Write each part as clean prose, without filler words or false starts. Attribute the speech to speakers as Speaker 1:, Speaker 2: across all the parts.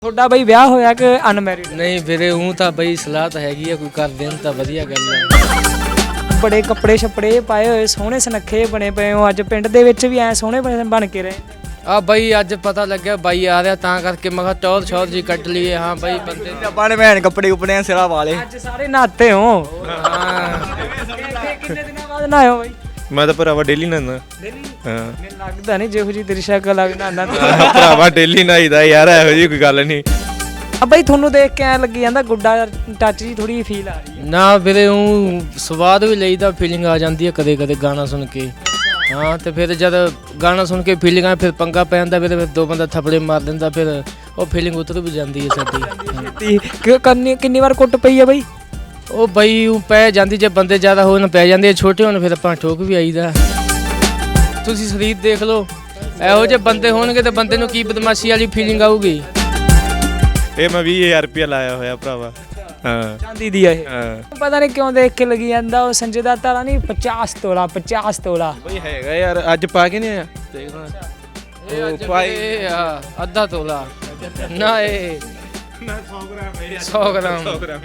Speaker 1: ਤੁਹਾਡਾ ਬਈ ਵਿਆਹ ਹੋਇਆ ਕਿ ਅਨਮੈਰਿਡ?
Speaker 2: ਨਹੀਂ ਵੀਰੇ ਉਹ ਤਾਂ ਬਈ ਸਲਾਹ ਤਾਂ ਹੈਗੀ ਆ, ਕੋਈ ਕਰ ਦੇਣ ਤਾਂ ਵਧੀਆ ਗੱਲ ਹੈ।
Speaker 1: ਬੜੇ ਕੱਪੜੇ ਛੱਪੜੇ ਪਾਏ ਹੋਏ ਸੋਹਣੇ ਸੁਨੱਖੇ ਬਣੇ ਪਏ ਹੋ, ਅੱਜ ਪਿੰਡ ਦੇ ਵਿੱਚ ਵੀ ਐ ਸੋਹਣੇ ਬਣ ਕੇ ਰਹੇ।
Speaker 2: ਆ ਬਈ ਅੱਜ ਪਤਾ ਲੱਗਿਆ ਬਾਈ ਆ ਰਿਹਾ ਤਾਂ ਕਰਕੇ ਮੈਂ ਕਿਹਾ ਟੌਰ ਸ਼ੌਰ ਜੀ ਕੱਟ ਲਈਏ। ਹਾਂ ਬਈ ਬੰਦੇ
Speaker 3: ਆਪਾਂ ਨੇ ਭੈਣ ਕੱਪੜੇ ਕੁਪੜੇ ਸਿਰਾ ਵਾਲੇ
Speaker 1: ਅੱਜ ਸਾਰੇ ਨਹਾਤੇ ਹੋ।
Speaker 2: ਹਾਂ
Speaker 1: ਕਿੰਨੇ ਦਿਨਾਂ ਬਾਅਦ ਨਹਾਇਓ ਬਈ?
Speaker 4: ਮੈਂ ਤਾਂ ਭਰਾਵਾ ਡੇਲੀ ਨਹਾਉਂਦਾ।
Speaker 1: ਡੇਲੀ?
Speaker 4: ਹਾਂ
Speaker 1: ਮੈਨੂੰ ਲੱਗਦਾ ਨਹੀਂ ਜਿਹੋ ਜੀ ਤੇਰੀ ਸ਼ਕਲ ਲੱਗਦਾ ਨਾ।
Speaker 4: ਭਰਾਵਾ ਡੇਲੀ ਨਹਾਈਦਾ ਯਾਰ, ਇਹੋ ਜਿਹੀ ਕੋਈ ਗੱਲ ਨਹੀਂ।
Speaker 1: ਆ ਬਈ ਤੁਹਾਨੂੰ ਦੇਖ ਕੇ ਐ ਲੱਗੀ ਜਾਂਦਾ ਗੁੱਡਾ ਟੱਚ ਜੀ ਥੋੜੀ ਫੀਲ ਆ ਰਹੀ ਹੈ।
Speaker 2: ਨਾ ਵੀਰੇ ਉਹ ਸਵਾਦ ਵੀ ਲਈਦਾ, ਫੀਲਿੰਗ ਆ ਜਾਂਦੀ ਹੈ ਕਦੇ ਕਦੇ ਗਾਣਾ ਸੁਣ ਕੇ। ਹਾਂ ਤੇ ਫਿਰ ਜਦ ਗਾਣਾ ਸੁਣ ਕੇ ਫੀਲਿੰਗ ਆ ਫਿਰ ਪੰਗਾ ਪੈ ਜਾਂਦਾ, ਫਿਰ ਦੋ ਬੰਦਾ ਥੱਪੜੇ ਮਾਰ ਦਿੰਦਾ, ਫਿਰ ਉਹ ਫੀਲਿੰਗ ਉਤਰ ਵੀ ਜਾਂਦੀ ਹੈ ਸਾਡੀ।
Speaker 1: ਕਿੰਨੀ ਵਾਰ ਕੁੱਟ ਪਈ ਆ ਬਈ?
Speaker 2: ਉਹ ਬਈ ਉਹ ਪੈ ਜਾਂਦੀ, ਜੇ ਬੰਦੇ ਜ਼ਿਆਦਾ ਹੋਣ ਪੈ ਜਾਂਦੇ, ਛੋਟੇ ਹੋਣ ਫਿਰ ਆਪਾਂ ਠੋਕ ਵੀ ਆਈਦਾ। ਤੁਸੀਂ ਸਰੀਰ ਦੇਖ ਲਓ, ਇਹੋ ਜਿਹੇ ਬੰਦੇ ਹੋਣਗੇ ਤਾਂ ਬੰਦੇ ਨੂੰ ਕੀ ਬਦਮਾਸ਼ੀ ਵਾਲੀ ਫੀਲਿੰਗ ਆਊਗੀ।
Speaker 4: ਇਹ ਮੈਂ 20,000 ਰੁਪਇਆ ਲਾਇਆ ਹੋਇਆ ਭਰਾਵਾ। ਹਾਂ
Speaker 1: ਚਾਂਦੀ ਦੀ ਆ ਇਹ।
Speaker 4: ਹਾਂ
Speaker 1: ਪਤਾ ਨਹੀਂ ਕਿਉਂ ਦੇਖ ਕੇ ਲੱਗੀ ਜਾਂਦਾ ਉਹ ਸੰਜੇ ਦਾ ਤਾਰਾ ਨਹੀਂ 50 ਤੋਲਾ 50 ਤੋਲਾ
Speaker 4: ਬਈ ਹੈਗਾ ਯਾਰ, ਅੱਜ ਪਾ ਕੇ ਨਹੀਂ ਆਇਆ ਦੇਖਦਾ।
Speaker 2: ਉਹ ਭਾਈ ਅੱਧਾ ਤੋਲਾ ਨਾ, ਇਹ 100 ਗ੍ਰਾਮ।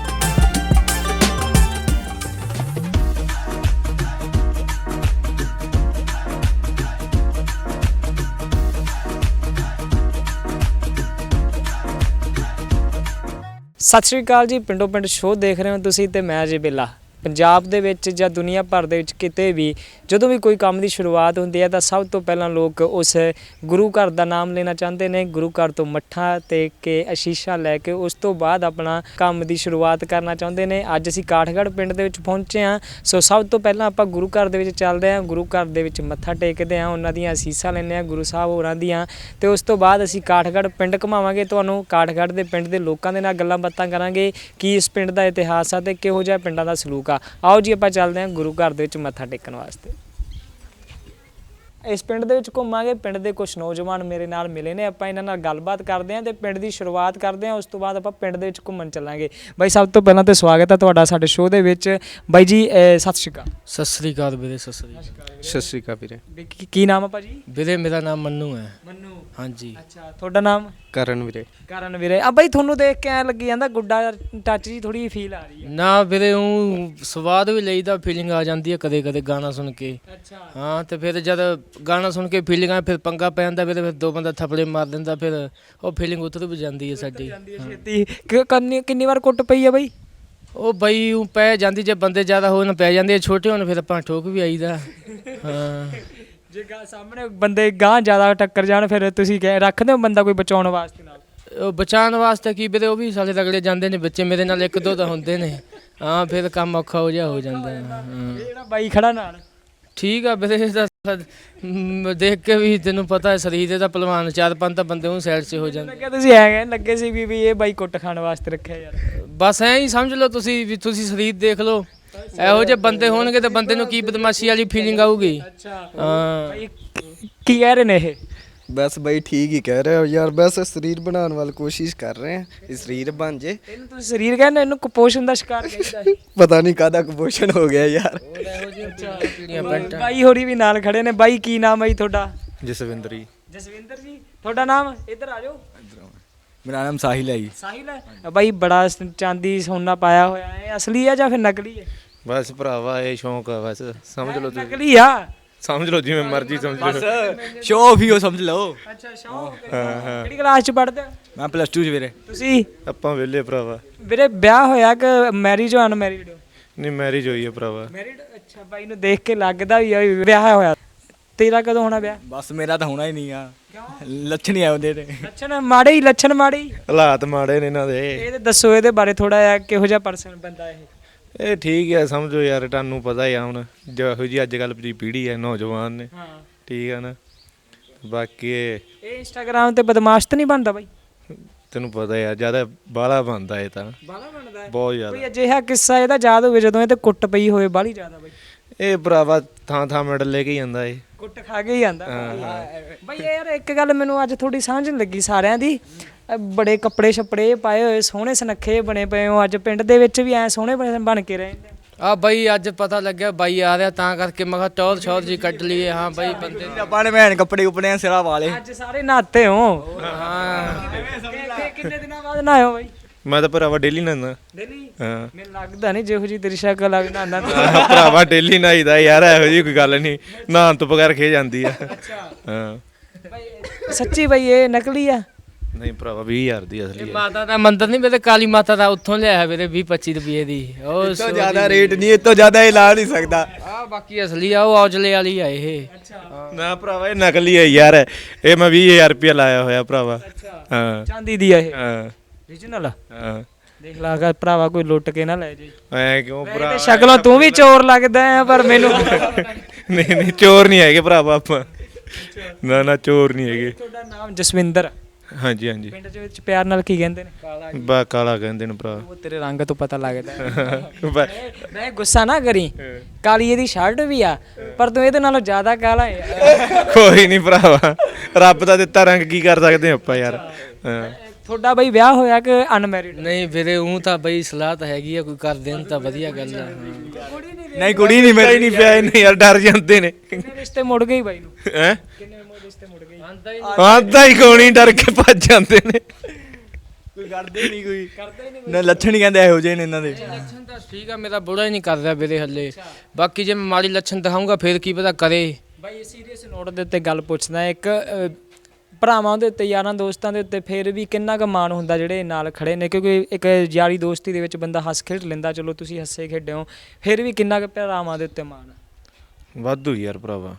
Speaker 1: ਸਤਿ ਸ਼੍ਰੀ ਅਕਾਲ ਜੀ, ਪਿੰਡੋਂ ਪਿੰਡ ਸ਼ੋਅ ਦੇਖ ਰਹੇ ਹੋ ਤੁਸੀਂ ਤੇ ਮੈਂ ਜੀ ਬਿੱਲਾ। ਪੰਜਾਬ ਦੇ ਵਿੱਚ ਜਾਂ ਦੁਨੀਆ ਭਰ ਦੇ ਵਿੱਚ ਕਿਤੇ ਵੀ ਜਦੋਂ ਵੀ ਕੋਈ ਕੰਮ ਦੀ ਸ਼ੁਰੂਆਤ ਹੁੰਦੀ ਹੈ ਤਾਂ ਸਭ ਤੋਂ ਪਹਿਲਾਂ ਲੋਕ ਉਸ ਗੁਰੂ ਘਰ ਦਾ ਨਾਮ ਲੈਣਾ ਚਾਹੁੰਦੇ ਨੇ, ਗੁਰੂ ਘਰ ਤੋਂ ਮੱਠਾ ਟੇਕ ਕੇ ਅਸ਼ੀਸ਼ਾਂ ਲੈ ਕੇ ਉਸ ਤੋਂ ਬਾਅਦ ਆਪਣਾ ਕੰਮ ਦੀ ਸ਼ੁਰੂਆਤ ਕਰਨਾ ਚਾਹੁੰਦੇ ਨੇ। ਅੱਜ ਅਸੀਂ ਕਾਠਗੜ੍ਹ ਪਿੰਡ ਦੇ ਵਿੱਚ ਪਹੁੰਚੇ ਹਾਂ, ਸੋ ਸਭ ਤੋਂ ਪਹਿਲਾਂ ਆਪਾਂ ਗੁਰੂ ਘਰ ਦੇ ਵਿੱਚ ਚੱਲਦੇ ਹਾਂ, ਗੁਰੂ ਘਰ ਦੇ ਵਿੱਚ ਮੱਥਾ ਟੇਕਦੇ ਹਾਂ, ਉਹਨਾਂ ਦੀਆਂ ਅਸੀਸਾਂ ਲੈਂਦੇ ਹਾਂ ਗੁਰੂ ਸਾਹਿਬ ਹੋਰਾਂ ਦੀਆਂ, ਤੇ ਉਸ ਤੋਂ ਬਾਅਦ ਅਸੀਂ ਕਾਠਗੜ੍ਹ ਪਿੰਡ ਘੁਮਾਵਾਂਗੇ ਤੁਹਾਨੂੰ। ਕਾਠਗੜ੍ਹ ਦੇ ਪਿੰਡ ਦੇ ਲੋਕਾਂ ਦੇ ਨਾਲ ਗੱਲਾਂ ਬਾਤਾਂ ਕਰਾਂਗੇ, ਕੀ ਇਸ ਪਿੰਡ ਦਾ ਇਤਿਹਾਸ ਆ ਤੇ ਕਿਹੋ ਜਿਹਾ ਪਿੰਡਾਂ ਦਾ ਸਲੂਕ। ਆਓ ਜੀ ਆਪਾਂ ਚੱਲਦੇ ਹਾਂ ਗੁਰੂ ਘਰ ਦੇ ਵਿੱਚ ਮੱਥਾ ਟੇਕਣ ਵਾਸਤੇ। ਇਸ ਪਿੰਡ ਦੇ ਵਿੱਚ ਘੁੰਮਾਂਗੇ, ਪਿੰਡ ਦੇ ਕੁਝ ਨੌਜਵਾਨ ਮੇਰੇ ਨਾਲ ਮਿਲੇ ਨੇ, ਆਪਾਂ ਇਹਨਾਂ ਨਾਲ ਗੱਲਬਾਤ ਕਰਦੇ ਹਾਂ ਤੇ ਪਿੰਡ ਦੀ ਸ਼ੁਰੂਆਤ ਕਰਦੇ ਹਾਂ। ਉਸ ਤੋਂ ਬਾਅਦ ਆਪਾਂ ਪਿੰਡ ਦੇ ਵਿੱਚ ਘੁੰਮਣ ਚੱਲਾਂਗੇ। ਬਾਈ ਸਭ ਤੋਂ ਪਹਿਲਾਂ ਤਾਂ ਸਵਾਗਤ ਹੈ ਤੁਹਾਡਾ ਸਾਡੇ ਸ਼ੋਅ ਦੇ ਵਿੱਚ। ਬਾਈ ਜੀ ਸਤਿ ਸ਼੍ਰੀ ਅਕਾਲ।
Speaker 2: ਸਤਿ ਸ੍ਰੀ ਅਕਾਲ ਵੀਰੇ, ਸਤਿ ਸ੍ਰੀ ਅਕਾਲ।
Speaker 4: ਸਤਿ ਸ਼੍ਰੀ ਅਕਾਲ ਵੀਰੇ।
Speaker 1: ਕੀ ਨਾਮ ਹੈ ਭਾਜੀ?
Speaker 2: ਵੀਰੇ ਮੇਰਾ ਨਾਮ ਮੰਨੂ ਹੈ।
Speaker 1: ਮੰਨੂ?
Speaker 2: ਹਾਂਜੀ।
Speaker 1: ਅੱਛਾ, ਤੁਹਾਡਾ ਨਾਮ?
Speaker 4: ਕਰਨ ਵੀਰੇ।
Speaker 1: ਕਰਨ ਵੀਰੇ। ਆ ਬਾਈ ਤੁਹਾਨੂੰ ਦੇਖ ਕੇ ਐ ਲੱਗੀ ਜਾਂਦਾ ਗੁੱਡਾ ਟੱਚ ਜੀ ਥੋੜੀ ਫੀਲ ਆ ਰਹੀ ਹੈ।
Speaker 2: ਨਾ ਵੀਰੇ ਉਹ ਸਵਾਦ ਵੀ ਲਈਦਾ, ਫੀਲਿੰਗ ਆ ਜਾਂਦੀ ਹੈ ਕਦੇ ਕਦੇ ਗਾਣਾ ਸੁਣ ਕੇ।
Speaker 1: ਅੱਛਾ।
Speaker 2: ਹਾਂ ਤੇ ਫਿਰ ਜਦ ਗਾਣਾ ਸੁਣ ਕੇ ਫੀਲਿੰਗ ਆ ਫਿਰ ਪੰਗਾ ਪੈ ਜਾਂਦਾ, ਫਿਰ ਦੋ ਬੰਦਾ ਥੱਪੜੇ ਮਾਰ ਦਿੰਦਾ, ਫਿਰ ਉਹ ਫੀਲਿੰਗ ਉਤਰ ਵੀ ਜਾਂਦੀ ਹੈ ਸਾਡੀ।
Speaker 1: ਛੇਤੀ ਕਿੰਨੀ ਵਾਰ ਕੁੱਟ ਪਈ ਆ ਬਾਈ?
Speaker 2: ਉਹ ਬਈ ਉਹ ਪੈ ਜਾਂਦੀ, ਜੇ ਬੰਦੇ ਜ਼ਿਆਦਾ ਹੋਣ ਪੈ ਜਾਂਦੇ, ਛੋਟੇ ਹੋਣ ਫਿਰ ਆਪਾਂ ਠੋਕ ਵੀ ਆਈਦਾ। ਹਾਂ
Speaker 1: ਜੇ ਸਾਹਮਣੇ ਬੰਦੇ ਗਾਂ ਜ਼ਿਆਦਾ ਟੱਕਰ ਜਾਣ ਫਿਰ ਤੁਸੀਂ ਰੱਖਦੇ ਹੋ ਬੰਦਾ ਕੋਈ ਬਚਾਉਣ ਵਾਸਤੇ ਨਾਲ?
Speaker 2: ਉਹ ਬਚਾਉਣ ਵਾਸਤੇ ਕੀ ਵੀਰੇ, ਉਹ ਵੀ ਸਾਲੇ ਰਗੜੇ ਜਾਂਦੇ ਨੇ ਬੱਚੇ ਮੇਰੇ ਨਾਲ, ਇੱਕ ਦੋ ਤਾਂ ਹੁੰਦੇ ਨੇ। ਹਾਂ ਫਿਰ ਕੰਮ ਔਖਾ ਹੋ ਜਾਂਦਾ। ਹਾਂ
Speaker 1: ਜਿਹੜਾ ਬਾਈ ਖੜਾ ਨਾਲ
Speaker 2: ਠੀਕ ਆ ਵੀਰੇ, ਦੇਖ ਕੇ ਵੀ ਤੈਨੂੰ ਪਤਾ ਹੈ ਸਰੀਰ ਦਾ ਪਹਿਲਵਾਨ, 4-5 ਤਾਂ ਬੰਦੇ ਉਹ ਸਾਈਡ 'ਚ ਹੋ ਜਾਂਦੇ।
Speaker 1: ਲੱਗਿਆ ਤੁਸੀਂ ਐ ਲੱਗੇ ਸੀ ਵੀ ਇਹ ਬਾਈ ਕੁੱਟ ਖਾਣ ਵਾਸਤੇ ਰੱਖਿਆ ਯਾਰ।
Speaker 2: ਬਸ ਐਂ ਹੀ ਸਮਝ ਲਓ ਤੁਸੀਂ ਵੀ, ਤੁਸੀਂ ਸਰੀਰ ਦੇਖ ਲਓ, ਇਹੋ ਜਿਹੇ ਬੰਦੇ ਹੋਣਗੇ ਤਾਂ ਬੰਦੇ ਨੂੰ ਕੀ ਬਦਮਾਸ਼ੀ ਵਾਲੀ ਫੀਲਿੰਗ ਆਊਗੀ। ਹਾਂ
Speaker 1: ਕੀ ਕਹਿ ਰਹੇ ਨੇ ਇਹ?
Speaker 3: ਬਸ ਬਈ ਠੀਕ ਹੀ ਕਹਿ ਰਹੇ ਹੋ ਯਾਰ, ਬਸ ਸਰੀਰ ਬਣਾਉਣ ਵਾਲੀ ਕੋਸ਼ਿਸ਼ ਕਰ ਰਹੇ ਆ, ਇਹ ਸਰੀਰ ਬਣ ਜੇ।
Speaker 1: ਇਹਨੂੰ ਤੁਸੀਂ ਸਰੀਰ ਕਹਿੰਦੇ, ਇਹਨੂੰ ਕੁਪੋਸ਼ਣ ਦਾ ਸ਼ਿਕਾਰ ਕਹਿੰਦਾ ਹੈ।
Speaker 3: ਪਤਾ ਨਹੀਂ ਕਾਹਦਾ ਕੁਪੋਸ਼ਣ ਹੋ ਗਿਆ ਯਾਰ।
Speaker 1: ਬਾਈ ਹੋਰੀ ਵੀ ਨਾਲ ਖੜੇ ਨੇ। ਬਾਈ ਕੀ ਨਾਮ ਹੈ ਜੀ ਤੁਹਾਡਾ?
Speaker 4: ਜਸਵਿੰਦਰ ਜੀ।
Speaker 1: ਜਸਵਿੰਦਰ ਜੀ। ਤੁਹਾਡਾ ਨਾਮ? ਇੱਧਰ ਆ ਜਾਓ।
Speaker 3: ਮੇਰਾ ਨਾਮ ਸਾਹਿਲ ਹੈ ਜੀ।
Speaker 1: ਸਾਹਿਲ ਹੈ। ਬਾਈ ਬੜਾ ਚਾਂਦੀ ਸੋਨਾ ਪਾਇਆ ਹੋਇਆ ਹੈ, ਅਸਲੀ ਹੈ ਜਾਂ ਫਿਰ ਨਕਲੀ ਹੈ?
Speaker 4: ਬਸ ਭਰਾਵਾ ਇਹ ਸ਼ੌਂਕ ਆ, ਬਸ ਸਮਝ ਲਓ ਤੁਸੀਂ,
Speaker 1: ਨਕਲੀ ਆ।
Speaker 4: ਸਮਝ ਲਓ ਜਿਵੇਂ ਮਰਜ਼ੀ ਸਮਝ ਲਓ।
Speaker 3: ਸ਼ੋਅ ਆਫ ਹੀ ਹੋ ਸਮਝ ਲਓ।
Speaker 1: ਅੱਛਾ ਸ਼ੌਂਕ। ਕਿਹੜੀ ਕਲਾਸ ਚ ਪੜ੍ਹਦੇ ਹੋ?
Speaker 3: ਮੈਂ +2 ਚ ਵੀਰੇ।
Speaker 1: ਤੁਸੀਂ?
Speaker 4: ਆਪਾਂ ਵਿਹਲੇ ਭਰਾਵਾ।
Speaker 1: ਵੀਰੇ ਵਿਆਹ ਹੋਇਆ ਕਿ ਮੈਰਿਜ ਹੋ ਅਨਮੈਰਿਡ ਹੋ?
Speaker 4: ਨਹੀਂ ਮੈਰਿਜ ਹੋਈ ਹੈ ਭਰਾਵਾ।
Speaker 1: ਮੈਰਿਡ। ਅੱਛਾ, ਬਾਈ ਨੂੰ ਦੇਖ ਕੇ ਲੱਗਦਾ ਵੀ ਵਿਆਹ ਹੋਇਆ। ਤੇਰਾ ਕਦੋਂ ਹੋਣਾ ਵਿਆਹ?
Speaker 3: ਬਸ ਮੇਰਾ ਤਾਂ ਹੋਣਾ ਹੀ ਨਹੀਂ ਆ, ਲੱਛਣ ਹੀ ਆਉਂਦੇ ਨੇ।
Speaker 1: ਲੱਛਣ ਮਾੜੇ ਹੀ, ਲੱਛਣ ਮਾੜੇ ਹੀ।
Speaker 4: ਹਾਲਾਤ ਮਾੜੇ ਨੇ ਇਹਨਾਂ ਦੇ।
Speaker 1: ਇਹ ਤੇ ਦੱਸੋ ਇਹਦੇ ਬਾਰੇ ਥੋੜਾ ਜਿਹਾ, ਕਿਹੋ ਜਿਹਾ ਪਰਸਨ ਬੰਦਾ ਇਹ?
Speaker 4: ਇਹ ਠੀਕ ਹੈ, ਸਮਝੋ ਯਾਰ, ਤੁਹਾਨੂੰ ਪਤਾ ਹੀ ਆ ਹੁਣ ਜਿਹੋ ਜੀ ਅੱਜ ਕੱਲ੍ਹ ਦੀ ਪੀੜ੍ਹੀ ਹੈ, ਨੌਜਵਾਨ ਨੇ।
Speaker 1: ਹਾਂ
Speaker 4: ਠੀਕ ਹੈ ਨਾ। ਬਾਕੀ
Speaker 1: ਇਹ ਇੰਸਟਾਗ੍ਰਾਮ ਤੇ ਬਦਮਾਸ਼ ਤਾਂ ਨਹੀਂ ਬਣਦਾ ਬਾਈ?
Speaker 4: ਤੈਨੂੰ ਪਤਾ ਯਾਰ, ਜ਼ਿਆਦਾ ਬਾਹਲਾ ਬਣਦਾ ਇਹ ਤਾਂ,
Speaker 1: ਬਾਲਾ ਬਣਦਾ ਹੈ
Speaker 4: ਬਹੁਤ ਜ਼ਿਆਦਾ।
Speaker 1: ਕੋਈ ਅਜਿਹਾ ਕਿੱਸਾ ਇਹਦਾ ਯਾਦ ਹੋਵੇ ਜਦੋਂ ਇਹ ਤੇ ਕੁੱਟ ਪਈ ਹੋਵੇ ਬਾਲੀ ਜ਼ਿਆਦਾ ਬਾਈ?
Speaker 4: ਇਹ ਭਰਾਵਾ ਥਾਂ ਥਾਂ ਮੈਡਲ ਲੈ ਕੇ ਜਾਂਦਾ ਇਹ।
Speaker 1: ਕੁੱਟ ਖਾ ਕੇ ਹੀ ਆਂਦਾ ਬਾਈ। ਯਾਰ ਇੱਕ ਗੱਲ ਮੈਨੂੰ ਅੱਜ ਥੋੜੀ ਸਮਝ ਨਹੀਂ ਲੱਗੀ ਸਾਰਿਆਂ ਦੀ, ਬੜੇ ਕੱਪੜੇ ਛੱਪੜੇ ਪਾਏ ਹੋਏ ਸੋਹਣੇ ਸੁਨੱਖੇ ਬਣੇ ਪਏ ਹੋ, ਅੱਜ ਪਿੰਡ ਦੇ ਵਿੱਚ ਵੀ ਐ ਸੋਹਣੇ ਬਣ ਕੇ ਰਹੇ ਨੇ।
Speaker 2: ਆ ਬਾਈ ਅੱਜ ਪਤਾ ਲੱਗਿਆ ਬਾਈ ਆ ਰਿਹਾ ਤਾਂ ਕਰਕੇ ਮੈਂ ਕਿਹਾ ਟੌਰ ਸ਼ੌਰ ਜੀ ਕੱਢ ਲਈਏ। ਹਾਂ ਬਾਈ ਬੰਦੇ
Speaker 5: ਆਪਾਂ ਨੇ ਭੈਣ ਕੱਪੜੇ ਕੁਪੜੇ ਸਿਰਾ ਵਾਲੇ
Speaker 1: ਅੱਜ ਸਾਰੇ ਨਹਾਤੇ ਹੋ?
Speaker 2: ਹਾਂ
Speaker 1: ਕਿੰਨੇ ਦਿਨਾਂ ਬਾਅਦ ਨਹਾਇਓ ਬਾਈ?
Speaker 4: ਮੈਂ ਤਾਂ ਭਰਾਵਾ ਡੇਲੀ ਨਹਾਉਂਦਾ।
Speaker 1: ਡੇਲੀ?
Speaker 4: ਹਾਂ
Speaker 1: ਮੈਨੂੰ ਲੱਗਦਾ ਨਹੀਂ ਜਿਹੋ ਜੀ ਤੇਰੀ ਸ਼ਕਲ ਆ ਨਹਾਉਂਦਾ ਤੂੰ।
Speaker 4: ਭਰਾਵਾ ਡੇਲੀ ਨਹਾਈਦਾ ਯਾਰ, ਇਹੋ ਜਿਹੀ ਕੋਈ ਗੱਲ ਨਹੀਂ, ਨਹਾਉਣ ਤੋਂ ਬਗੈਰ ਖੇ ਜਾਂਦੀ ਆ। ਹਾਂ
Speaker 1: ਬਾਈ ਸੱਚੀ ਬਾਈ ਇਹ ਨਕਲੀ ਆ?
Speaker 4: ਨਹੀਂ ਭਰਾਵਾ 20,000 ਦੀ ਅਸਲੀ ਆ।
Speaker 2: ਮਾਤਾ ਦਾ ਮੰਦਿਰ ਨਹੀਂ ਮੇਰੇ ਕਾਲੀ ਮਾਤਾ ਦਾ, ਉੱਥੋਂ ਲਿਆਇਆ ਵੀਰੇ 20-25 ਰੁਪਏ ਦੀ। ਉਹ
Speaker 5: ਇਸ ਤੋਂ ਜ਼ਿਆਦਾ ਰੇਟ ਨਹੀਂ, ਇਸ ਤੋਂ ਜ਼ਿਆਦਾ ਇਹ ਲਾ ਨਹੀਂ ਸਕਦਾ।
Speaker 2: ਆ ਬਾਕੀ ਅਸਲੀ ਆ, ਉਹ ਔਜਲੇ ਵਾਲੀ ਆ ਇਹ।
Speaker 4: ਨਾ ਭਰਾਵਾ ਇਹ ਨਕਲੀ ਹੈ ਯਾਰ, ਇਹ ਮੈਂ 20,000 ਰੁਪਇਆ ਲਾਇਆ ਹੋਇਆ ਭਰਾਵਾ। ਹਾਂ
Speaker 1: ਚਾਂਦੀ ਦੀ ਆ ਇਹ?
Speaker 4: ਹਾਂ
Speaker 1: ਓਰੀਜਨਲ?
Speaker 4: ਹਾਂ
Speaker 1: ਦੇਖ ਲਾ ਅਗਰ ਭਰਾਵਾ ਕੋਈ ਲੁੱਟ ਕੇ ਨਾ ਲੈ ਜਾਈ।
Speaker 4: ਐ ਕਿਉਂ ਭਰਾ?
Speaker 1: ਤੇ ਸ਼ਕਲੋਂ ਤੂੰ ਵੀ ਚੋਰ ਲੱਗਦਾ ਹੈ ਪਰ ਮੈਨੂੰ
Speaker 4: ਨਹੀਂ ਨਹੀਂ ਚੋਰ ਨਹੀਂ ਹੈਗੇ ਭਰਾਵਾ ਆਪਾਂ। ਨਾ ਨਾ ਚੋਰ ਨਹੀਂ ਹੈਗੇ।
Speaker 1: ਤੁਹਾਡਾ ਨਾਮ ਜਸਵਿੰਦਰ?
Speaker 4: ਹਾਂਜੀ ਹਾਂਜੀ
Speaker 1: ਪਿੰਡ ਦੇ ਵਿੱਚ ਪਿਆਰ ਨਾਲ ਕੀ ਕਹਿੰਦੇ ਨੇ?
Speaker 4: ਬਾ ਕਾਲਾ ਕਹਿੰਦੇ ਨੇ ਭਰਾ।
Speaker 1: ਉਹ ਤੇਰੇ ਰੰਗ ਤੋਂ ਪਤਾ ਲੱਗਦਾ ਹੈ। ਮੈਂ ਗੁੱਸਾ ਨਾ ਕਰੀ, ਕਾਲੀ ਇਹਦੀ ਸ਼ਰਟ ਵੀ ਆ ਪਰ ਤੂੰ ਇਹਦੇ ਨਾਲੋਂ ਜ਼ਿਆਦਾ ਕਾਲਾ ਹੈ।
Speaker 4: ਕੋਈ ਨਹੀਂ ਭਰਾਵਾ, ਰੱਬ ਦਾ ਦਿੱਤਾ ਰੰਗ ਕੀ ਕਰ ਸਕਦੇ ਆਪਾਂ ਯਾਰ। ਹਾਂ
Speaker 1: ਤੁਹਾਡਾ ਬਈ ਵਿਆਹ ਹੋਇਆ ਕਿ ਅਨਮੈਰਿਡ?
Speaker 2: ਨਹੀਂ ਵੀਰੇ ਉਹ ਤਾਂ ਬਈ ਸਲਾਹ ਤਾਂ ਹੈਗੀ ਆ, ਕੋਈ ਕਰ ਦੇਣ ਤਾਂ ਵਧੀਆ ਗੱਲ ਆ।
Speaker 5: ਨਹੀਂ ਕੁੜੀ ਨਹੀਂ
Speaker 4: ਮੇਰਾ ਹੀ ਨਹੀਂ ਪਿਆ ਇਹਨੇ ਯਾਰ, ਡਰ ਜਾਂਦੇ ਨੇ।
Speaker 1: ਕਿੰਨੇ ਰਿਸ਼ਤੇ ਮੁੜ ਗਏ ਬਾਈ ਨੂੰ?
Speaker 4: ਹੈ
Speaker 1: ਕਿੰਨੇ ਰਿਸ਼ਤੇ ਮੁੜ ਗਏ?
Speaker 4: ਆਂਦਾ ਹੀ ਕੋਣੀ ਡਰ ਕੇ ਭੱਜ ਜਾਂਦੇ ਨੇ।
Speaker 5: ਕੋਈ ਕਰਦੇ ਨਹੀਂ, ਕੋਈ ਨਾ ਲੱਛਣ ਹੀ ਕਹਿੰਦੇ ਇਹੋ ਜਿਹੇ ਨੇ ਇਹਨਾਂ ਦੇ।
Speaker 2: ਲੱਛਣ ਤਾਂ ਠੀਕ ਆ, ਮੇਰਾ ਬੁੜਾ ਹੀ ਨਹੀਂ ਕਰ ਰਿਹਾ ਵੀਰੇ ਹੱਲੇ। ਬਾਕੀ ਜੇ ਮੈਂ ਮਾੜੀ ਲੱਛਣ ਦਿਖਾਊਂਗਾ ਫਿਰ ਕੀ ਪਤਾ ਕਰੇ।
Speaker 1: ਬਾਈ ਸੀਰੀਅਸ ਨੋਟ ਦੇ ਉੱਤੇ ਗੱਲ ਪੁੱਛਦਾ ਇੱਕ ਭਰਾਵਾਂ ਦੇ ਉੱਤੇ, ਯਾਰਾਂ ਦੋਸਤਾਂ ਦੇ ਉੱਤੇ ਫਿਰ ਵੀ ਕਿੰਨਾ ਕੁ ਮਾਣ ਹੁੰਦਾ ਜਿਹੜੇ ਨਾਲ ਖੜੇ ਨੇ? ਕਿਉਂਕਿ ਇੱਕ ਯਾਰੀ ਦੋਸਤੀ ਦੇ ਵਿੱਚ ਬੰਦਾ ਹੱਸ ਖੇਡ ਲੈਂਦਾ, ਚਲੋ ਤੁਸੀਂ ਹੱਸੇ ਖੇਡੇ ਹੋ, ਫਿਰ ਵੀ ਕਿੰਨਾ ਕੁ ਭਰਾਵਾਂ ਦੇ ਉੱਤੇ ਮਾਣ?
Speaker 4: ਵਾਧੂ ਯਾਰ ਭਰਾਵਾ,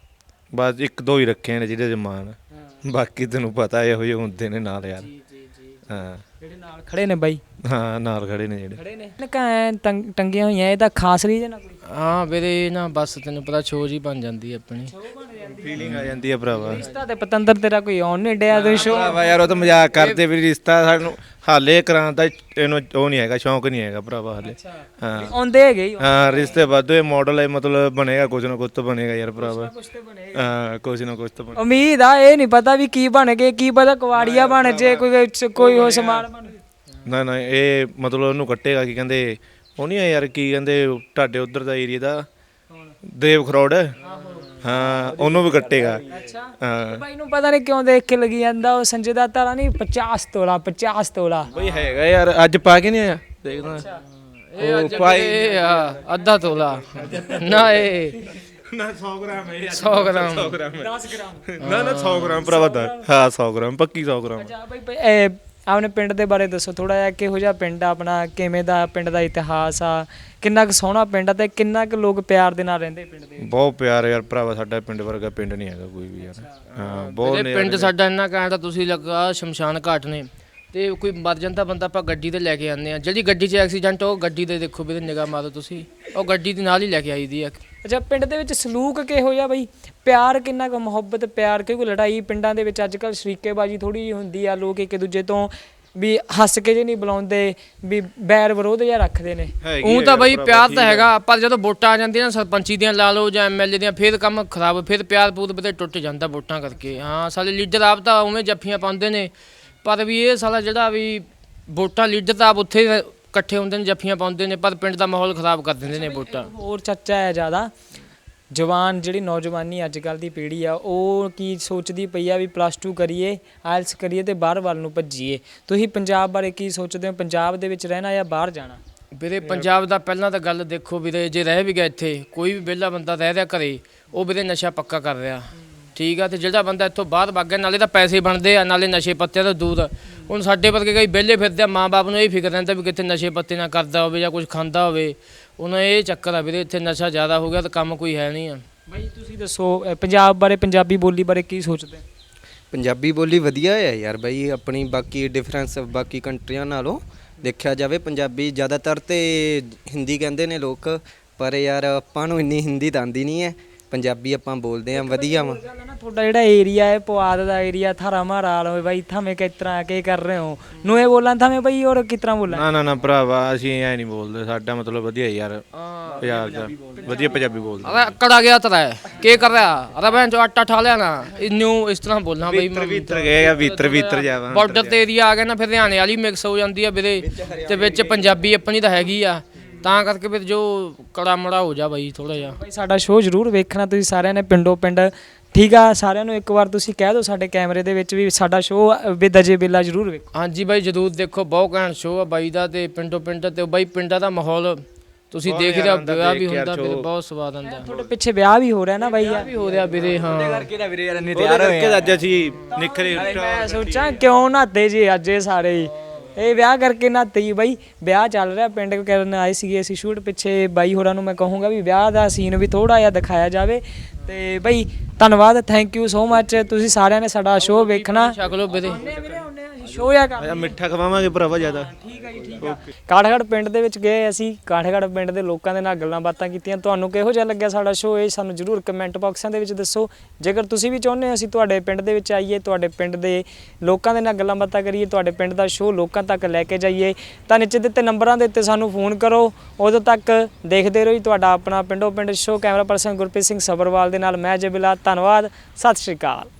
Speaker 4: ਬਸ ਇੱਕ ਦੋ ਹੀ ਰੱਖੇ ਨੇ ਜਿਹਦੇ ਜਮਾਨ, ਬਾਕੀ ਤੈਨੂੰ ਪਤਾ ਇਹੋ ਜਿਹੇ ਹੁੰਦੇ ਨੇ ਨਾਲ ਯਾਰ। ਹਾਂ
Speaker 1: ਜਿਹੜੇ ਨਾਲ ਖੜੇ ਨੇ ਬਾਈ?
Speaker 4: ਹਾਂ ਨਾਲ ਖੜੇ ਨੇ ਜਿਹੜੇ।
Speaker 1: ਖੜੇ ਨੇ ਟੰਗੀਆਂ ਹੋਈਆਂ, ਇਹ ਤਾਂ ਖਾਸ ਰੀਜਨ ਆ ਕੋਈ?
Speaker 2: ਹਾਂ ਵੀਰੇ ਨਾ ਬਸ ਤੈਨੂੰ ਪਤਾ ਛੋਜ ਹੀ ਬਣ ਜਾਂਦੀ ਹੈ ਆਪਣੀ।
Speaker 4: ਫੀਲਿੰਗ ਆ ਜਾਂਦੀ ਆ ਭਰਾਵਾ।
Speaker 1: ਰਿਸ਼ਤਾ ਤੇ ਪਤੰਦਰ ਤੇਰਾ ਕੋਈ ਆਉਣ ਨਹੀਂ ਡਿਆ ਤੁਸੀਂ ਸ਼ੋ?
Speaker 4: ਭਰਾਵਾ ਯਾਰ ਉਹ ਤਾਂ ਮਜ਼ਾਕ ਕਰਦੇ ਵੀ, ਰਿਸ਼ਤਾ ਸਾਨੂੰ ਹਾਲੇ ਕਰਾਉਣ ਦਾ ਇਹਨੂੰ ਉਹ ਨਹੀਂ ਹੈਗਾ, ਸ਼ੌਂਕ ਨਹੀਂ ਹੈਗਾ ਭਰਾਵਾ ਹਾਲੇ। ਹਾਂ
Speaker 1: ਆਉਂਦੇ ਹੈਗੇ ਹੀ?
Speaker 4: ਹਾਂ ਰਿਸ਼ਤੇ ਵਾਧੂ, ਇਹ ਮਾਡਲ ਹੈ ਮਤਲਬ ਬਣੇਗਾ, ਕੁਝ ਨਾ ਕੁਝ ਤਾਂ ਬਣੇਗਾ ਯਾਰ ਭਰਾਵਾ। ਹਾਂ ਕੁਝ ਨਾ ਕੁਝ ਤਾਂ
Speaker 1: ਉਮੀਦ ਆ, ਇਹ ਨਹੀਂ ਪਤਾ ਵੀ ਕੀ ਬਣ ਗਏ, ਕੀ ਪਤਾ ਕੁਵਾੜੀਆ ਬਣ ਜੇ, ਕੋਈ ਹੋਰ ਸਮਾਨ ਬਣ ਜੇ।
Speaker 4: ਨਾ ਨਾ ਇਹ ਮਤਲਬ ਉਹਨੂੰ ਕੱਟੇਗਾ, ਕੀ ਕਹਿੰਦੇ ਉਹ ਨਹੀਂ ਆ ਯਾਰ, ਕੀ ਕਹਿੰਦੇ ਤੁਹਾਡੇ ਉਧਰ ਦਾ ਏਰੀਆ ਦਾ ਦੇਵ ਖਰੋੜ, ਹਾਂ ਉਹਨੂੰ ਵੀ ਕੱਟੇਗਾ। ਹਾਂ
Speaker 1: ਬਾਈ ਨੂੰ ਪਤਾ ਨਹੀਂ ਕਿਉਂ ਦੇਖ ਕੇ ਲੱਗੀ ਜਾਂਦਾ ਉਹ ਸੰਜੇ ਦਾ ਤਾਰਾ ਨਹੀਂ 50 ਤੋਲਾ 50 ਤੋਲਾ
Speaker 4: ਬਈ ਹੈਗਾ ਯਾਰ, ਅੱਜ ਪਾ ਕੇ ਨਹੀਂ ਆਇਆ ਦੇਖਦਾ।
Speaker 2: ਇਹ ਅੱਜ ਵੀਰੇ ਅੱਧਾ ਤੋਲਾ ਨਾ, ਇਹ
Speaker 4: ਨਾ 100 ਗ੍ਰਾਮ ਹੈ
Speaker 2: 100 ਗ੍ਰਾਮ
Speaker 4: 10 ਗ੍ਰਾਮ ਨਾ ਨਾ 100 ਗ੍ਰਾਮ ਭਰਾਵਾ ਦਾ। ਹਾਂ 100 ਗ੍ਰਾਮ ਪੱਕੀ 100 ਗ੍ਰਾਮ।
Speaker 1: ਅੱਛਾ ਬਾਈ ਆਪਣੇ ਪਿੰਡ ਦੇ ਬਾਰੇ ਦੱਸੋ ਥੋੜਾ ਜਿਹਾ, ਕਿਹੋ ਜਿਹਾ ਪਿੰਡ ਆ ਆਪਣਾ, ਕਿਵੇਂ ਦਾ ਪਿੰਡ ਦਾ ਇਤਿਹਾਸ ਆ, ਕਿੰਨਾ ਕੁ ਸੋਹਣਾ ਪਿੰਡ ਆ ਤੇ ਕਿੰਨਾ ਕੁ ਲੋਕ ਪਿਆਰ ਦੇ ਨਾਲ ਰਹਿੰਦੇ ਪਿੰਡ ਦੇ?
Speaker 4: ਬਹੁਤ ਪਿਆਰ ਯਾਰ ਭਰਾਵਾ, ਸਾਡਾ ਪਿੰਡ ਵਰਗਾ ਪਿੰਡ ਨਹੀਂ ਹੈਗਾ ਕੋਈ ਵੀ ਯਾਰ। ਹਾਂ ਬਹੁਤ
Speaker 2: ਵੀਰੇ ਪਿੰਡ ਸਾਡਾ ਇੰਨਾ ਘੈਂਟ, ਤੁਸੀਂ ਲੱਗਾ ਸ਼ਮਸ਼ਾਨ ਘਾਟ ਨੇ ਤੇ ਕੋਈ ਮਰ ਜਾਂਦਾ ਬੰਦਾ ਆਪਾਂ ਗੱਡੀ ਤੇ ਲੈ ਕੇ ਆਉਂਦੇ ਆ। ਜਿਹੜੀ ਗੱਡੀ 'ਚ ਐਕਸੀਡੈਂਟ ਉਹ ਗੱਡੀ ਦੇ ਦੇਖੋ ਵੀਰੇ, ਨਿਗਾਹ ਮਾਰੋ ਤੁਸੀਂ, ਉਹ ਗੱਡੀ ਦੇ ਨਾਲ ਹੀ ਲੈ ਕੇ ਆਈ ਦੀ ਆ।
Speaker 1: ਅੱਛਾ ਪਿੰਡ ਦੇ ਵਿੱਚ ਸਲੂਕ ਕਿਹੋ ਜਿਹਾ ਬਈ, ਪਿਆਰ ਕਿੰਨਾ ਕੁ, ਮੁਹੱਬਤ ਪਿਆਰ? ਕਿਉਂਕਿ ਲੜਾਈ ਪਿੰਡਾਂ ਦੇ ਵਿੱਚ ਅੱਜ ਕੱਲ੍ਹ ਸ਼ਰੀਕੇਬਾਜ਼ੀ ਥੋੜੀ ਜਿਹੀ ਹੁੰਦੀ ਆ, ਲੋਕ ਇੱਕ ਦੂਜੇ ਤੋਂ ਵੀ ਹੱਸ ਕੇ ਜੇ ਨਹੀਂ ਬੁਲਾਉਂਦੇ, ਵੀ ਬੈਰ ਵਿਰੋਧ ਜਿਹਾ ਰੱਖਦੇ ਨੇ।
Speaker 2: ਉਹ ਤਾਂ ਬਈ ਪਿਆਰ ਤਾਂ ਹੈਗਾ, ਪਰ ਜਦੋਂ ਵੋਟਾਂ ਆ ਜਾਂਦੀਆਂ ਨਾ ਸਰਪੰਚੀ ਦੀਆਂ ਲਾ ਲਓ ਜਾਂ ਐਮਐਲਏ ਦੀਆਂ, ਫਿਰ ਕੰਮ ਖਰਾਬ, ਫਿਰ ਪਿਆਰ ਪੂਰ ਬਤੇ ਟੁੱਟ ਜਾਂਦਾ ਵੋਟਾਂ ਕਰਕੇ। ਹਾਂ ਸਾਲੇ ਲੀਡਰ ਆਪ ਤਾਂ ਉਵੇਂ ਜੱਫੀਆਂ ਪਾਉਂਦੇ ਨੇ, ਪਰ ਵੀ ਇਹ ਸਾਲਾ ਜਿਹੜਾ ਵੀ ਵੋਟਾਂ ਲੀਡਰ ਤਾਂ ਆਪ ਉੱਥੇ ਇਕੱਠੇ ਹੁੰਦੇ ਨੇ, ਜੱਫੀਆਂ ਪਾਉਂਦੇ ਨੇ, ਪਰ ਪਿੰਡ ਦਾ ਮਾਹੌਲ ਖਰਾਬ ਕਰ ਦਿੰਦੇ ਨੇ ਵੋਟਾਂ।
Speaker 1: ਹੋਰ ਚਰਚਾ ਹੈ ਜ਼ਿਆਦਾ, ਜਵਾਨ ਜਿਹੜੀ ਨੌਜਵਾਨੀ ਅੱਜ ਕੱਲ੍ਹ ਦੀ ਪੀੜ੍ਹੀ ਆ ਉਹ ਕੀ ਸੋਚਦੀ ਪਈ ਆ ਵੀ +2 ਕਰੀਏ, ਆਇਲਸ ਕਰੀਏ ਤੇ ਬਾਹਰ ਵੱਲ ਨੂੰ ਭੱਜੀਏ। ਤੁਸੀਂ ਪੰਜਾਬ ਬਾਰੇ ਕੀ ਸੋਚਦੇ ਹੋ, ਪੰਜਾਬ ਦੇ ਵਿੱਚ ਰਹਿਣਾ ਜਾਂ ਬਾਹਰ ਜਾਣਾ?
Speaker 2: ਵੀਰੇ ਪੰਜਾਬ ਦਾ ਪਹਿਲਾਂ ਤਾਂ ਗੱਲ ਦੇਖੋ ਵੀਰੇ, ਜੇ ਰਹਿ ਵੀ ਗਿਆ ਇੱਥੇ ਕੋਈ ਵੀ ਵਿਹਲਾ ਬੰਦਾ ਰਹਿ ਰਿਹਾ ਘਰੇ, ਉਹ ਵੀਰੇ ਨਸ਼ਾ ਪੱਕਾ ਕਰ ਰਿਹਾ, ਠੀਕ ਆ। ਤੇ ਜਿਹੜਾ ਬੰਦਾ ਇੱਥੋਂ ਬਾਹਰ ਵਗ ਗਿਆ, ਨਾਲੇ ਤਾਂ ਪੈਸੇ ਬਣਦੇ ਆ, ਨਾਲੇ ਨਸ਼ੇ ਪੱਤਿਆਂ ਤੋਂ ਦੂਰ। ਹੁਣ ਸਾਡੇ ਵਰਗੇ ਕਈ ਵਿਹਲੇ ਫਿਰਦੇ ਆ, ਮਾਂ ਬਾਪ ਨੂੰ ਇਹ ਫਿਕਰ ਰਹਿੰਦਾ ਵੀ ਕਿਤੇ ਨਸ਼ੇ ਪੱਤੇ ਨਾ ਕਰਦਾ ਹੋਵੇ ਜਾਂ ਕੁਝ ਖਾਂਦਾ ਹੋਵੇ, ਉਹਨਾਂ ਇਹ ਚੱਕਰ ਆ ਵੀਰੇ, ਇੱਥੇ ਨਸ਼ਾ ਜ਼ਿਆਦਾ ਹੋ ਗਿਆ ਤਾਂ ਕੰਮ ਕੋਈ ਹੈ ਨਹੀਂ ਆ।
Speaker 1: ਬਾਈ ਤੁਸੀਂ ਦੱਸੋ ਪੰਜਾਬ ਬਾਰੇ, ਪੰਜਾਬੀ ਬੋਲੀ ਬਾਰੇ ਕੀ ਸੋਚਦੇ?
Speaker 3: ਪੰਜਾਬੀ ਬੋਲੀ ਵਧੀਆ ਹੈ ਯਾਰ ਬਾਈ ਆਪਣੀ, ਬਾਕੀ ਡਿਫਰੈਂਸ ਬਾਕੀ ਕੰਟਰੀਆਂ ਨਾਲੋਂ ਦੇਖਿਆ ਜਾਵੇ ਪੰਜਾਬੀ ਜ਼ਿਆਦਾਤਰ ਤੇ ਹਿੰਦੀ ਕਹਿੰਦੇ ਨੇ ਲੋਕ, ਪਰ ਯਾਰ ਆਪਾਂ ਨੂੰ ਇੰਨੀ ਹਿੰਦੀ ਤਾਂ ਆਉਂਦੀ ਨਹੀਂ ਹੈ, ਪੰਜਾਬੀ ਆਪਾਂ ਬੋਲਦੇ ਆਂ ਵਧੀਆ ਵਾ।
Speaker 1: ਤੁਹਾਡਾ ਜਿਹੜਾ ਏਰੀਆ ਹੈ ਪੁਆਧ ਦਾ ਏਰੀਆ, ਥਾਰਾ ਮਾਰਾ ਲਓ ਬਾਈ, ਥਾਵੇਂ ਕਿਸ ਤਰ੍ਹਾਂ ਕੀ ਕਰ ਰਹੇ ਹੋ ਨੂੰ ਇਹ ਬੋਲਾਂ ਥਾਵੇਂ ਬਾਈ, ਔਰ ਕਿਸ ਤਰ੍ਹਾਂ ਬੋਲਾਂ?
Speaker 4: ਨਾ ਨਾ ਨਾ ਭਰਾਵਾ ਅਸੀਂ ਐ ਨਹੀਂ ਬੋਲਦੇ, ਸਾਡਾ ਮਤਲਬ ਵਧੀਆ ਯਾਰ, ਪੰਜਾਬ ਦਾ ਵਧੀਆ ਪੰਜਾਬੀ ਬੋਲਦੇ।
Speaker 2: ਅਰੇ ਅਕੜ ਗਿਆ ਤਰਾ ਕੀ ਕਰ ਰਿਹਾ, ਅਰੇ ਭੈਣ ਚੋ ਆਟਾ ਠਾ ਲਿਆ ਨਾ, ਇਹਨੂੰ ਇਸ ਤਰ੍ਹਾਂ ਬੋਲਣਾ ਬਈ।
Speaker 4: ਭੀਤਰ ਗਏ ਆ, ਭੀਤਰ ਜਾਵਾ
Speaker 2: ਬਾਰਡਰ ਤੇ ਏਰੀਆ ਆ ਗਿਆ ਨਾ, ਫਿਰ ਹਰਿਆਣੇ ਵਾਲੀ ਮਿਕਸ ਹੋ ਜਾਂਦੀ ਆ ਵੀਰੇ, ਤੇ ਵਿੱਚ ਪੰਜਾਬੀ ਆਪਣੀ ਤਾਂ ਹੈਗੀ ਆ, ਤਾਂ ਕਰਕੇ ਫਿਰ ਜੋ ਕੜਾ ਮੜਾ ਹੋ ਜਾ ਬਾਈ ਥੋੜਾ ਜਿਹਾ।
Speaker 1: ਬਾਈ ਸਾਡਾ ਸ਼ੋਅ ਜ਼ਰੂਰ ਵੇਖਣਾ ਤੁਸੀਂ ਸਾਰਿਆਂ ਨੇ ਪਿੰਡੋਂ ਪਿੰਡ, ਠੀਕ ਆ। ਸਾਰਿਆਂ ਨੂੰ ਇੱਕ ਵਾਰ ਤੁਸੀਂ ਕਹਿ ਦਿਓ ਸਾਡੇ ਕੈਮਰੇ ਦੇ ਵਿੱਚ ਵੀ ਸਾਡਾ ਸ਼ੋਅ ਵਿਦ ਅਜੇ ਬੇਲਾ ਜ਼ਰੂਰ ਵੇਖੋ।
Speaker 2: ਹਾਂਜੀ ਬਾਈ ਜ਼ਰੂਰ ਦੇਖੋ, ਬਹੁਤ ਘੈਂਟ ਸ਼ੋਅ ਆ ਬਾਈ ਦਾ, ਤੇ ਪਿੰਡੋਂ ਪਿੰਡ ਤੇ ਬਾਈ ਪਿੰਡਾਂ ਦਾ ਮਾਹੌਲ ਤੁਸੀਂ ਦੇਖ ਰਹੇ ਹੋ, ਵਿਆਹ ਵੀ ਹੁੰਦਾ ਵੀਰੇ, ਬਹੁਤ ਸਵਾਦ ਆਉਂਦਾ।
Speaker 1: ਤੁਹਾਡੇ ਪਿੱਛੇ ਵਿਆਹ ਵੀ ਹੋ ਰਿਹਾ ਨਾ ਬਾਈ ਯਾਰ?
Speaker 2: ਵੀ ਹੋ ਰਿਹਾ ਵੀਰੇ, ਹਾਂ।
Speaker 5: ਕਰਕੇ ਤਾਂ ਵੀਰੇ ਯਾਰ ਇੰਨੇ
Speaker 4: ਉਹਦੇ
Speaker 5: ਤਿਆਰ ਹੋਏ
Speaker 4: ਕਰਕੇ
Speaker 5: ਆ।
Speaker 4: ਅੱਜ ਅਸੀਂ ਨਿਖਰੇ
Speaker 1: ਮੈਂ ਸੋਚਾਂ ਕਿਉਂ ਨਹਾਤੇ ਜੀ ਅੱਜ ਇਹ ਸਾਰੇ ਹੀ, ਇਹ ਵਿਆਹ ਕਰਕੇ ਨਹਾਤੇ ਜੀ ਬਾਈ। ਵਿਆਹ ਚੱਲ ਰਿਹਾ ਪਿੰਡ ਕਰਨ ਆਏ ਸੀਗੇ ਅਸੀਂ ਸ਼ੂਟ ਪਿੱਛੇ। ਬਾਈ ਹੋਰਾਂ ਨੂੰ ਮੈਂ ਕਹੂੰਗਾ ਵੀ ਵਿਆਹ ਦਾ ਸੀਨ ਵੀ ਥੋੜਾ ਜਿਹਾ ਦਿਖਾਇਆ ਜਾਵੇ। ਤੇ ਬਾਈ ਧੰਨਵਾਦ, ਥੈਂਕ ਯੂ ਸੋ ਮੱਚ। ਤੁਸੀਂ ਸਾਰਿਆਂ ਨੇ ਸਾਡਾ ਸ਼ੋਅ ਵੇਖਣਾ।
Speaker 2: ਛਕ ਲਓ ਵੀਰੇ।
Speaker 1: ਸ਼ੋਅ ਆ ਕਰ
Speaker 4: ਮਿੱਠਾ ਖਵਾਵਾਂਗੇ ਭਰਾਵਾ ਜ਼ਿਆਦਾ।
Speaker 1: ਠੀਕ ਹੈ ਜੀ, ਠੀਕ ਆ। ਕਾਠਗੜ੍ਹ ਪਿੰਡ ਦੇ ਵਿੱਚ ਗਏ ਅਸੀਂ, ਕਾਠਗੜ੍ਹ ਪਿੰਡ ਦੇ ਲੋਕਾਂ ਦੇ ਨਾਲ ਗੱਲਾਂ ਬਾਤਾਂ ਕੀਤੀਆਂ। ਤੁਹਾਨੂੰ ਕਿਹੋ ਜਿਹਾ ਲੱਗਿਆ ਸਾਡਾ ਸ਼ੋਅ, ਇਹ ਸਾਨੂੰ ਜਰੂਰ ਕਮੈਂਟ ਬਾਕਸਾਂ ਦੇ ਵਿੱਚ ਦੱਸੋ। ਜੇਕਰ ਤੁਸੀਂ ਵੀ ਚਾਹੁੰਦੇ ਹੋ ਅਸੀਂ ਤੁਹਾਡੇ ਪਿੰਡ ਦੇ ਵਿੱਚ ਆਈਏ, ਤੁਹਾਡੇ ਪਿੰਡ ਦੇ ਲੋਕਾਂ ਦੇ ਨਾਲ ਗੱਲਾਂ ਬਾਤਾਂ ਕਰੀਏ, ਤੁਹਾਡੇ ਪਿੰਡ ਦਾ ਸ਼ੋਅ ਲੋਕਾਂ ਤੱਕ ਲੈ ਕੇ ਜਾਈਏ, ਤਾਂ ਨੀਚੇ ਦਿੱਤੇ ਨੰਬਰਾਂ ਦੇ ਉੱਤੇ ਸਾਨੂੰ ਫੋਨ ਕਰੋ। ਉਦੋਂ ਤੱਕ ਦੇਖਦੇ ਰਹੋ ਜੀ ਤੁਹਾਡਾ ਆਪਣਾ ਪਿੰਡੋਂ ਪਿੰਡ show. Camera person Gurpreet Singh Sabharwal ਦੇ ਨਾਲ ਮੈਂ ਜਬਿਲਾ। ਧੰਨਵਾਦ, ਸਤਿ ਸ਼੍ਰੀ ਅਕਾਲ।